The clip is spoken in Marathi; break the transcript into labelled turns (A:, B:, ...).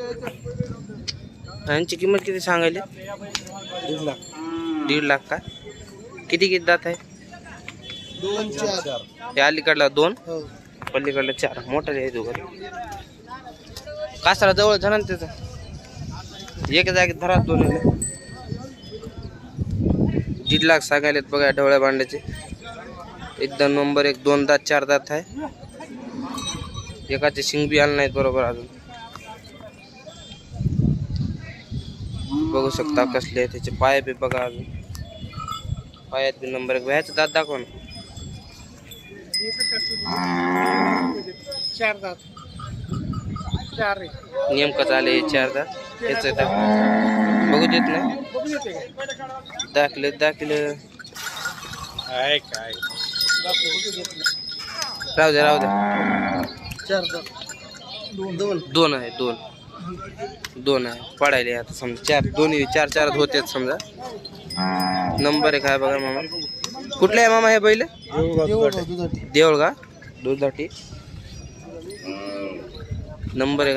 A: यांची किंमत किती सांगायली? 1.5 लाख का? किती किती दात आहे?
B: 2 4.
A: हे अलीकडला 2,
B: हो.
A: पलीकडला 4. मोठा आहे दोघं. कासाला जवळ झाला ना त्याचा. एक जागेत धरा 2. 1.5 लाख सांगायलेत बघा ढवळ्या भांड्याचे. एकदम नंबर 1. 2 दात 4 दात आहे. एकाचे शिंग बी आले नाहीत बरोबर अजून. बघू शकता कसले आहे त्याचे पाय बी बघा अजून. पायात बी नंबर 1. व्याचं दात दाखव ना.
B: 4 दात. 4 रे.
A: नेमकं आले 4 दात. याच बघू देत नाही. दाखले
B: काय काय
A: राहू दे
B: 4 दात.
A: 2 आहे. 2 आहे. पडायले आता समजा 4. दोन्ही 4 होतेच समजा. नंबर 1 आहे बघा मामा. कुठले आहे मामा हे बैल? देऊळ का दुधाटी. नंबर 1